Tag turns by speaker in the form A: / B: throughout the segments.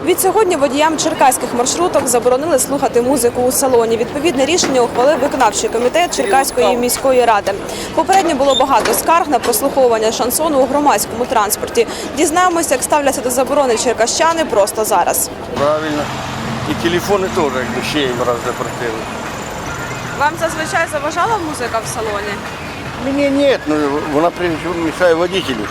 A: Від сьогодні водіям черкаських маршруток заборонили слухати музику у салоні. Відповідне рішення ухвалив виконавчий комітет Черкаської міської ради. Попередньо було багато скарг на прослуховування шансону у громадському транспорті. Дізнаємося, як ставляться до заборони черкащани просто зараз.
B: Правильно. І телефони теж, якби ще їм раз запретили.
A: Вам зазвичай заважала музика в салоні?
B: Мені ні, ну вона мішає водителю.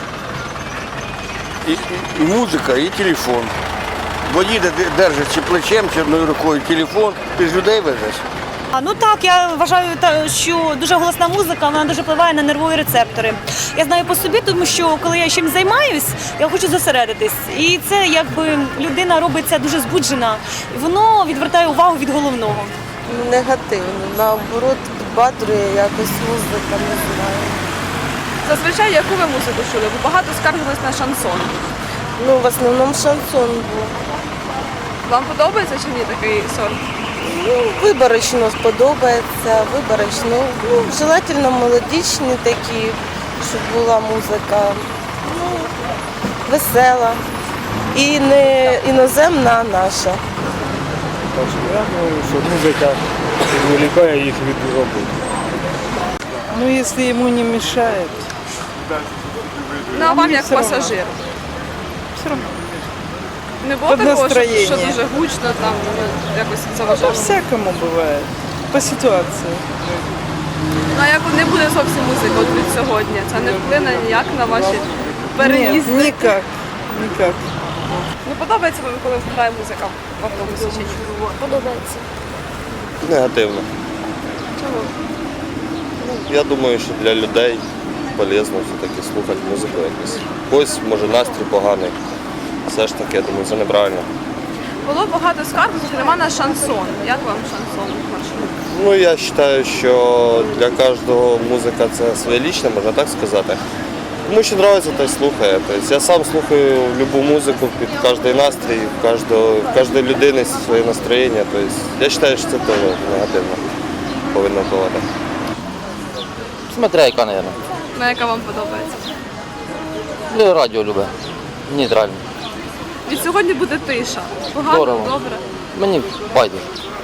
B: І музика, і телефон. Водій держить чи плечем, чи одною рукою телефон, ти ж людей везеш.
C: Ну так, я вважаю, що дуже голосна музика, вона дуже впливає на нервові рецептори. Я знаю по собі, тому що коли я чимось займаюсь, я хочу зосередитись. І це якби людина робиться дуже збуджена, і воно відвертає увагу від головного.
D: Негативно, наоборот, підбадрює якось музика, не знаю.
A: Зазвичай яку ви музику чули? Бо багато скаржились на шансон.
D: Ну, в основному шансон був.
A: Вам подобається чи ні такий сорт?
D: Ну, виборочно сподобається, виборочно. Ну, желательно мелодичні такі, щоб була музика, ну, весела. І не іноземна, а наша.
E: Я думаю, що музика відволікає їх від роботи.
F: Ну, если ему не мешает.
A: Ну, а вам як
F: все равно.
A: пасажир?
F: Все равно.
A: Не було
F: Під
A: такого, що
F: настроєння.
A: дуже гучно, там якось
F: По
A: заважало?
F: всякому бывает. По ситуации.
A: Ну, а як не буде зовсім музики от від сьогодні? Це не вплине ніяк на ваші
F: Нет,
A: переїзди?
F: никак. Никак.
A: Не подобається вам, коли грає музика в автобусі чи ні?
G: Подобається.
H: Негативно.
A: Чому?
H: Я думаю, що для людей полезно все-таки слухати музику якусь. Ось, може, настрій поганий. Все ж таки, я думаю, це неправильно.
A: Було багато скарг, зокрема на шансон. Як вам шансон маршрут?
H: Ну, я вважаю, що для кожного музика це своє лічне, можна так сказати. Кому що подобається, той слухає. Тобто, я сам слухаю любу музику під кожний настрій, в кожної людини своє настроєння. Тобто, я вважаю, що це теж негативно повинно впливати.
I: Смотря яка, мабуть.
A: На яка вам подобається?
I: Ну, радіо любе. Нейтрально.
A: Від сьогодні буде тиша. Погано,
I: Здорово.
A: добре.
I: Мені байдуже.